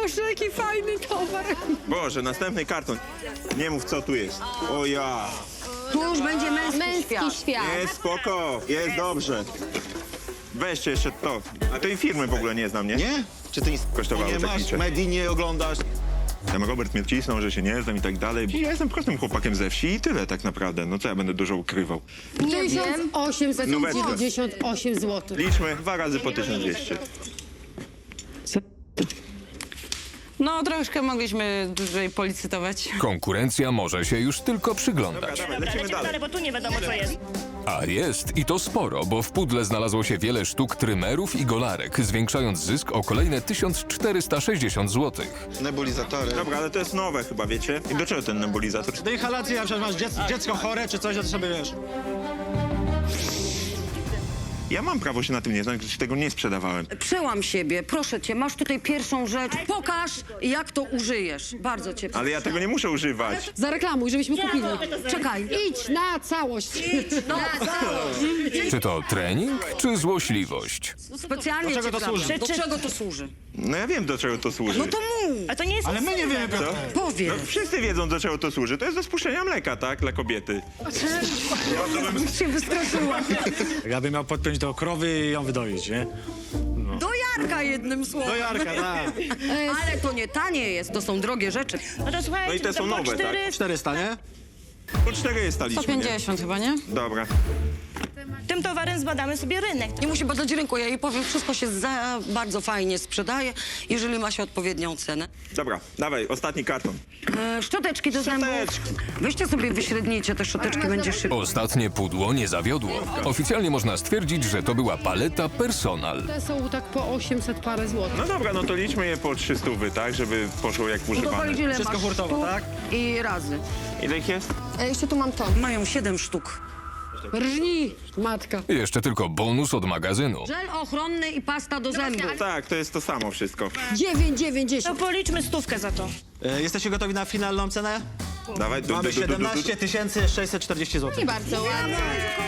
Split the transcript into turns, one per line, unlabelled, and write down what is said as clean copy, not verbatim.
Boże, jaki fajny towar.
Boże, następny karton. Nie mów, co tu jest. O ja.
Tu już będzie męski świat.
Jest spoko, jest dobrze. Weźcie jeszcze to. A tej firmy w ogóle nie znam, nie?
Nie? Czy ty nic
Kosztowało
nie
tak
masz,
liczę.
medii nie oglądasz?
Tam Robert mnie wcisnął, że się nie znam i tak dalej. Ja jestem prostym chłopakiem ze wsi i tyle tak naprawdę. No co ja będę dużo ukrywał?
Nie wiem.
1898 zł.
Liczmy 2 razy po 1200.
No, troszkę mogliśmy dłużej policytować.
Konkurencja może się już tylko przyglądać.
Dawaj,
Dobra,
lecimy dalej.
bo tu nie wiadomo co jest.
A jest i to sporo, bo w pudle znalazło się wiele sztuk trymerów i golarek, zwiększając zysk o kolejne 1460 zł.
Nebulizatory.
Dobra, ale to jest nowe chyba, wiecie? I do czego ten nebulizator?
Do inhalacji, na przykład masz dziecko chore czy coś, to sobie wiesz.
Ja mam prawo się na tym nie znać, gdyż tego nie sprzedawałem.
Przełam siebie, proszę cię, masz tutaj pierwszą rzecz. Pokaż, jak to użyjesz. Bardzo cię proszę.
Ale ja tego nie muszę używać.
Zareklamuj, żebyśmy kupili.
Czekaj.
Idź na całość.
No,
Czy to trening, czy złośliwość?
specjalnie
Do czego
cię
to
kradnę.
służy?
Do czego to służy?
No ja wiem, do czego to służy.
No to mów,
A to nie jest
Ale my nie wiemy,
Co?
powiedz.
No, wszyscy wiedzą, do czego to służy. To jest do spuszczenia mleka, tak? Dla kobiety.
Się wystraszyłam.
Ja bym miał podpiąć do krowy i ją wydoić, nie?
Do Jarka jednym słowem.
Do Jarka, tak.
Ale to nie tanie jest, to są drogie rzeczy.
No to słuchajcie,
No i te
to
są
po
nowe, tak?
400.
400, nie?
Po 4 jest ta liczba, nie?
150 chyba, nie?
Dobra.
Tym towarem zbadamy sobie rynek.
Nie musi badać rynku, ja jej powiem, wszystko się bardzo fajnie sprzedaje, jeżeli ma się odpowiednią cenę.
Dobra, dawaj, ostatni karton.
Szczoteczki do zębów.
Szczoteczki.
Weźcie sobie, wyśrednijcie te szczoteczki, będzie szybko.
Ostatnie pudło nie zawiodło. Oficjalnie można stwierdzić, że to była paleta Personal.
Te są tak po 800 parę złotych.
No dobra, no to liczmy je po 300, tak? Żeby poszło jak
To
używane.
powiedz, ile
Wszystko
masz
hurtowo,
sztuk
tak?
i razy.
Ile ich jest?
Jeszcze tu mam to.
Mają 7 sztuk.
Rżnij, matka.
Jeszcze tylko bonus od magazynu.
Żel ochronny i pasta do zębów.
Tak, to jest to samo wszystko.
9,90.
To policzmy 100 za to.
Jesteście gotowi na finalną cenę?
Dawaj,
Mamy 17 640 zł.
Nie bardzo ładnie.